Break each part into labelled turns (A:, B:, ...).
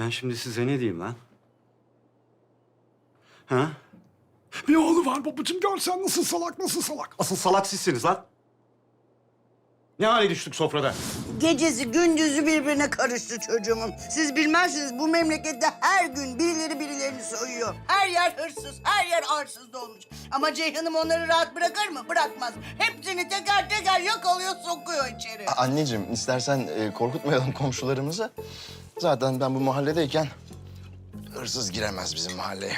A: Ben şimdi size ne diyeyim lan? Ha?
B: Bir oğlu var babacığım, görsen nasıl salak, nasıl salak.
A: Asıl salak sizsiniz lan. Ne hale düştük sofrada?
C: Gecesi gündüzü birbirine karıştı çocuğumun. Siz bilmezsiniz, bu memlekette her gün birileri birilerini soyuyor. Her yer hırsız, her yer arsız dolmuş. Ama Ceyhan'ım onları rahat bırakır mı? Bırakmaz. Hepsini teker teker yakalıyor, sokuyor içeri.
D: Anneciğim, istersen korkutmayalım komşularımızı. Zaten ben bu mahalledeyken hırsız giremez bizim mahalleye.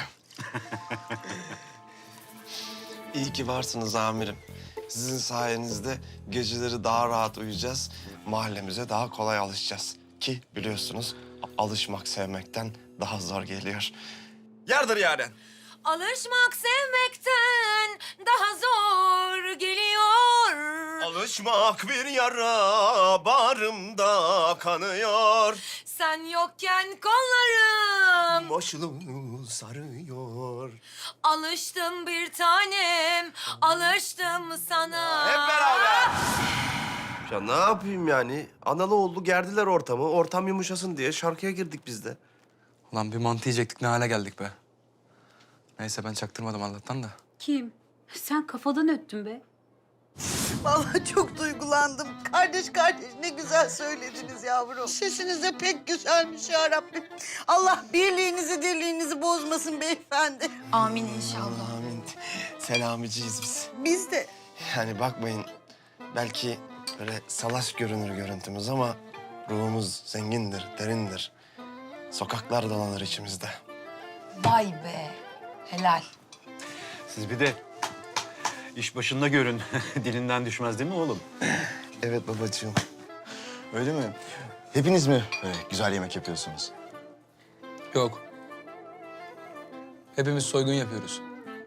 E: İyi ki varsınız amirim. Sizin sayenizde geceleri daha rahat uyuyacağız. Mahallemize daha kolay alışacağız. Ki biliyorsunuz alışmak sevmekten daha zor geliyor. Yardır Yaren.
F: Alışmak sevmekten daha zor geliyor.
E: Alışmak bir yara bağrımda kanıyor.
F: Sen yokken kollarım
E: Başını sarıyor.
F: alıştım bir tanem, alıştım sana.
E: Hep beraber. Ya ne yapayım yani? Analı oğlu gerdiler ortamı. Ortam yumuşasın diye şarkıya girdik biz de.
G: Ulan bir mantı yiyecektik, ne hale geldik be. Neyse ben çaktırmadım Allah'tan da.
H: Kim? Sen kafadan öttün be.
C: Vallahi çok duygulandım. Kardeş kardeş ne güzel söylediniz yavrum. Sesiniz de pek güzelmiş ya Rabbim. Allah birliğinizi dirliğinizi bozmasın beyefendi.
H: Amin inşallah.
E: Amin. Selamiciyiz biz.
C: Biz de.
E: Yani bakmayın, belki böyle salaş görünür görüntümüz ama ruhumuz zengindir, derindir. Sokaklar dolanır içimizde.
H: Vay be. Helal.
A: Siz bir de iş başında görün. Dilinden düşmez değil mi oğlum?
E: Evet babacığım.
D: Öyle mi? Hepiniz mi böyle güzel yemek yapıyorsunuz?
G: Yok. Hepimiz soygun yapıyoruz.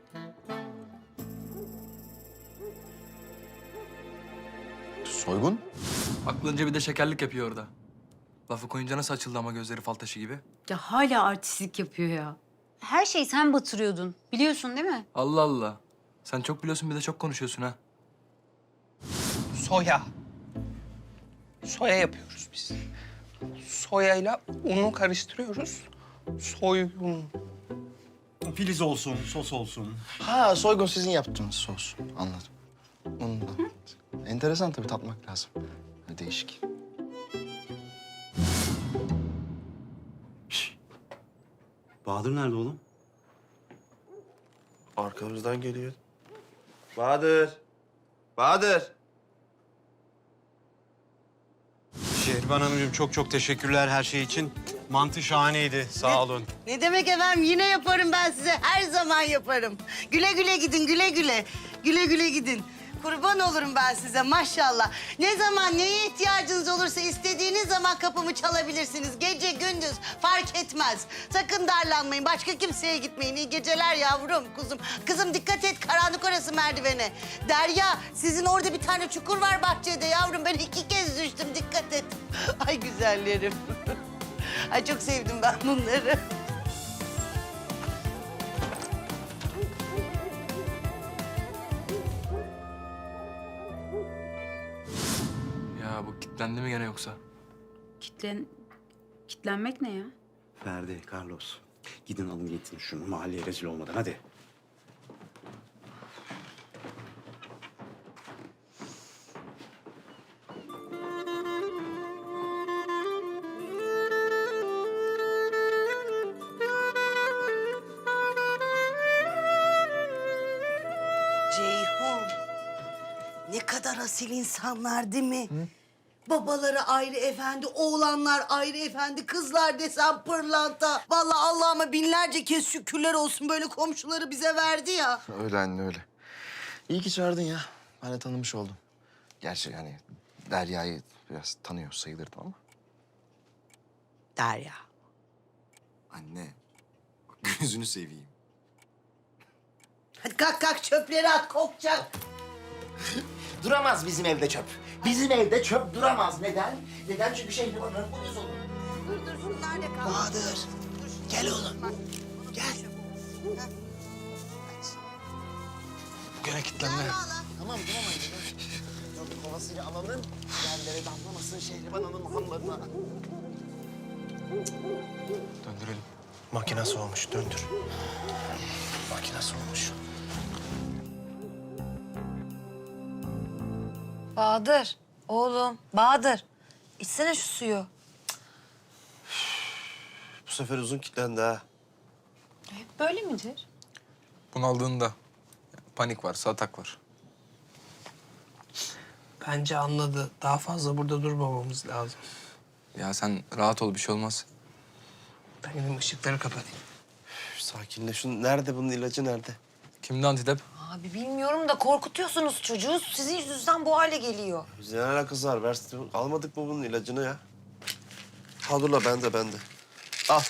D: Soygun?
G: Aklınca bir de şekerlik yapıyor orada. Lafı koyunca nasıl açıldı ama gözleri fal taşı gibi.
H: Ya hala artistlik yapıyor ya. Her şeyi sen batırıyordun. Biliyorsun değil mi?
G: Allah Allah. Sen çok biliyorsun bir de çok konuşuyorsun ha.
I: Soya. Soya yapıyoruz biz. Soyayla unu karıştırıyoruz. Soyun.
A: Filiz olsun, sos olsun.
D: Ha, soygun sizin yaptığınız sos. Anladım. Ondan. Enteresan tabii, tatmak lazım. Değişik.
A: Bahadır nerede oğlum?
E: Arkamızdan geliyor. Bahadır. Bahadır.
A: Şehriban Hanımcığım çok teşekkürler her şey için. Mantı şahaneydi, sağ olun.
C: Ne demek efendim, yine yaparım ben size. Her zaman yaparım. Güle güle gidin, güle güle. Güle güle gidin. Kurban olurum ben size maşallah. Ne zaman neye ihtiyacınız olursa istediğiniz zaman kapımı çalabilirsiniz. Gece gündüz fark etmez. Sakın darlanmayın. Başka kimseye gitmeyin. İyi geceler yavrum, kuzum. Kızım dikkat et, karanlık orası merdivene. Derya, sizin orada bir tane çukur var bahçede yavrum. Ben 2 kez düştüm, dikkat et. Ay güzellerim. Ay çok sevdim ben bunları.
G: Ya bu kilitlendi mi gene yoksa?
H: Kitlenmek ne ya?
A: Ferdi, Carlos. Gidin alın getirin şunu mahalleye rezil olmadan hadi.
C: Ceyhun, ne kadar asil insanlar değil mi? Babaları ayrı efendi, oğlanlar ayrı efendi, kızlar desem pırlanta. Vallahi Allah'ıma binlerce kez şükürler olsun böyle komşuları bize verdi ya.
D: Öyle anne, öyle. İyi ki çağırdın ya. Ben de tanımış oldum. Gerçi hani Derya'yı biraz tanıyor sayılırdım ama.
C: Derya.
D: Anne, bak gözünü seveyim.
C: Hadi kalk kalk çöpleri at, kokacak.
J: Duramaz bizim evde çöp. Bizim evde çöp duramaz. Neden? Neden? Çünkü Şehriban'ın uyuz olur.
C: Dur şunlar da kalk.
J: Bahadır, gel oğlum. Gel.
G: Gene kilitlendi.
J: Tamam anne. Çöp kovasıyla alalım. Yerlere damlamasın Şehriban Hanım hamlarına.
G: Döndürelim.
E: Makine soğumuş, döndür. Makine soğumuş.
F: Bahadır, oğlum, Bahadır. İçsene şu suyu.
E: Bu sefer uzun kilitlendi ha.
F: Hep böyle midir?
G: Bunaldığında panik var, atak var.
I: Bence anladı. Daha fazla burada durmamamız lazım.
G: Ya sen rahat ol, bir şey olmaz.
I: Ben gidip ışıkları kapatayım.
E: Sakinle. Nerede bunun ilacı nerede?
G: Kimde antidep?
F: Abi bilmiyorum da korkutuyorsunuz çocuğu. Sizin yüzünüzden bu hale geliyor.
E: Bize ne alakası var? Almadık mı bunun ilacını ya? Ha dur la bende. Al.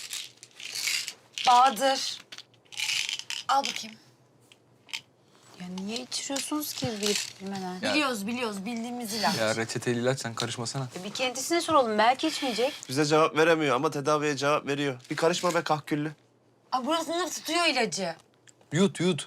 F: Bahadır. Al bakayım.
H: Ya niye içiriyorsunuz ki bilip bilmeden?
G: Ya-
F: Biliyoruz. Bildiğimiz ilaç.
G: Ya reçeteli ilaç, sen karışmasana.
H: Bir kendisine soralım. Belki içmeyecek.
E: Bize cevap veremiyor ama tedaviye cevap veriyor. Bir karışma be kahküllü.
F: Aa, burasını tutuyor ilacı.
G: Yut.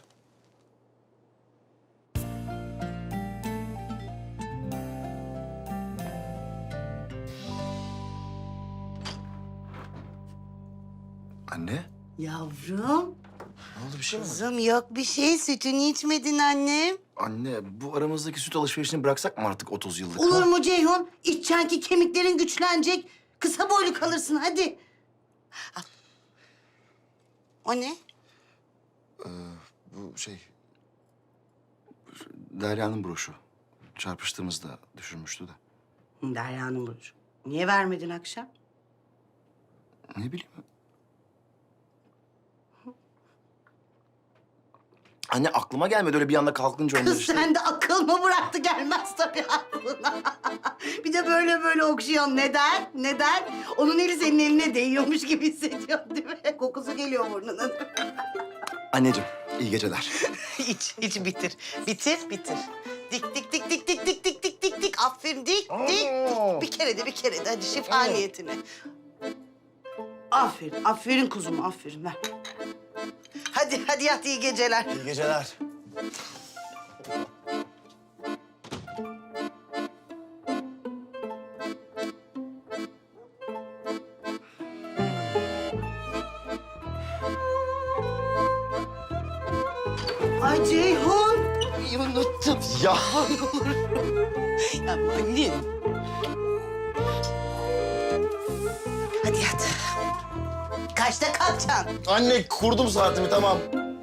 D: Anne?
C: Yavrum,
D: Ne oldu, bir şey mi var?
C: kızım yok bir şey. Sütünü içmedin annem.
D: Anne, bu aramızdaki süt alışverişini bıraksak mı artık 30 yıllık?
C: Olur
D: ha?
C: mu Ceyhun? İçeceksin ki kemiklerin güçlenecek. Kısa boylu kalırsın hadi. Al. O ne?
D: Bu şey... Derya'nın broşu. Çarpıştığımızda düşürmüştü de.
C: Derya'nın burcu. Niye vermedin akşam?
D: Ne bileyim. Anne aklıma gelmedi öyle bir anda kalkınca onlar
C: Kız
D: işte.
C: sen de akıl mı bıraktı gelmez tabii aklına. Bir de böyle okşuyorsun. Neden? Onun eli senin eline değiyormuş gibi hissediyorsun değil mi? Kokusu geliyor burnunun.
D: Anneciğim iyi geceler.
C: İç bitir. Bitir. Dik. Aferin dik. Bir kere de hadi şifa niyetine. Aferin kuzum aferin ver. Hadi yat iyi geceler.
E: İyi geceler.
C: Ay Ceyhun. İyi unuttum.
D: Ya.
C: Ya annem. Hadi yat. Kaçta kalkacaksın?
D: Anne kurdum saatimi tamam.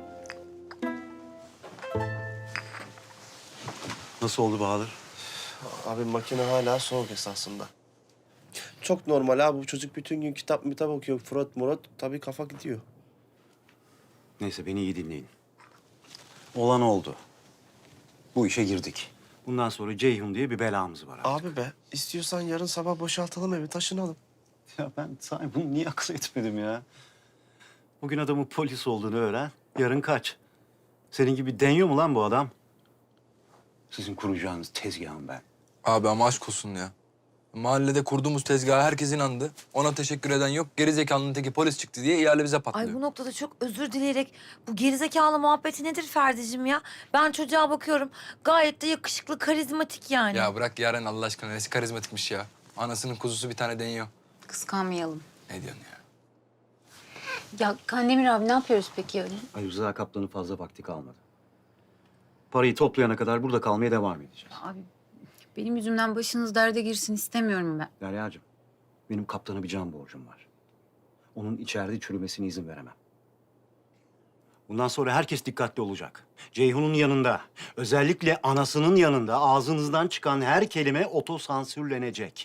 A: Nasıl oldu Bahadır?
E: Abi makine hala soğuk esasında. Çok normal abi. Bu çocuk bütün gün kitap okuyor. Murat tabii kafa gidiyor.
A: Neyse beni iyi dinleyin. Olan oldu. Bu işe girdik. Bundan sonra Ceyhun diye bir belamız var artık.
E: Abi be istiyorsan yarın sabah boşaltalım evi taşınalım.
A: Ya ben sana bunu niye akıl etmedim ya? Bugün adamın polis olduğunu öğren. Yarın kaç. Senin gibi deniyor mu lan bu adam? Sizin kuracağınız tezgahım ben.
G: Abi ama aşk olsun ya. Mahallede kurduğumuz tezgaha herkes inandı. Ona teşekkür eden yok. Gerizekalının teki polis çıktı diye ihale bize patlıyor.
F: Ay bu noktada çok özür dileyerek bu gerizekalı muhabbeti nedir Ferdi'cim ya? Ben çocuğa bakıyorum. Gayet de yakışıklı, karizmatik yani.
G: Ya bırak Yaren Allah aşkına. Nesi karizmatikmiş ya. Anasının kuzusu bir tane deniyor.
H: Kıskanmayalım.
G: Ne diyorsun ya?
H: Ya Kandemir abi ne yapıyoruz peki yarın?
A: Ali Rıza Kaplan'ın fazla vakti kalmadı. Parayı toplayana kadar burada kalmaya devam edeceğiz.
H: Abi benim yüzümden başınız derde girsin istemiyorum ben.
A: Derya'cığım, benim kaptana bir can borcum var. Onun içeride çürümesine izin veremem. Bundan sonra herkes dikkatli olacak. Ceyhun'un yanında, özellikle anasının yanında ağzınızdan çıkan her kelime otosansürlenecek.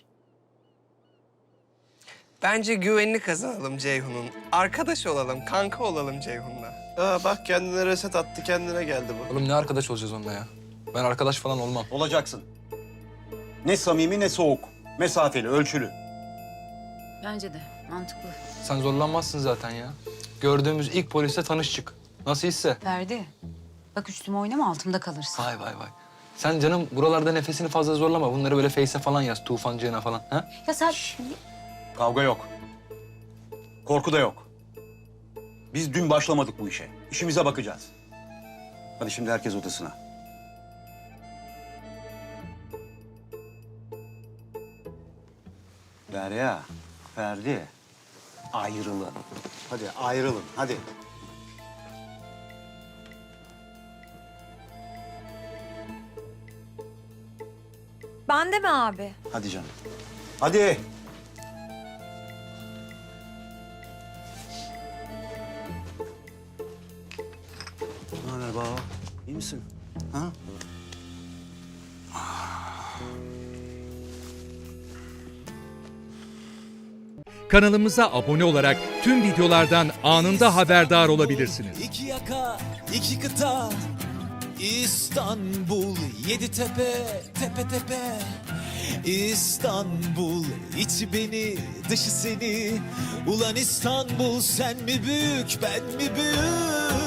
I: Bence güvenini kazanalım Ceyhun'un. Arkadaş olalım, kanka olalım Ceyhun'la.
E: Bak kendine reset attı, kendine geldi bu.
G: Oğlum ne arkadaş olacağız onunla ya? Ben arkadaş falan olmam.
A: Olacaksın. Ne samimi ne soğuk. Mesafeli, ölçülü.
H: Bence de mantıklı.
G: Sen zorlanmazsın zaten ya. Gördüğümüz ilk polisle tanış çık. Nasıl hisse?
H: Ferdi bak üstüme oynama altımda kalırsın.
G: Vay. Sen canım buralarda nefesini fazla zorlama. Bunları böyle Face'e falan yaz. Tufancığına falan. Ha?
H: Ya sen
A: Kavga yok. Korku da yok. Biz dün başlamadık bu işe. İşimize bakacağız. Hadi şimdi herkes odasına. Derya, Ferdi. ayrılın. Hadi ayrılın, hadi.
F: Ben de mi abi?
A: Hadi canım. Hadi. Ne haber baba? İyi misin? Ha?
K: Kanalımıza abone olarak tüm videolardan anında haberdar olabilirsiniz.
L: İki yaka, iki kıta, İstanbul, yedi tepe, tepe tepe. İstanbul, içi beni, dışı seni. Ulan İstanbul, sen mi büyük, ben mi büyük?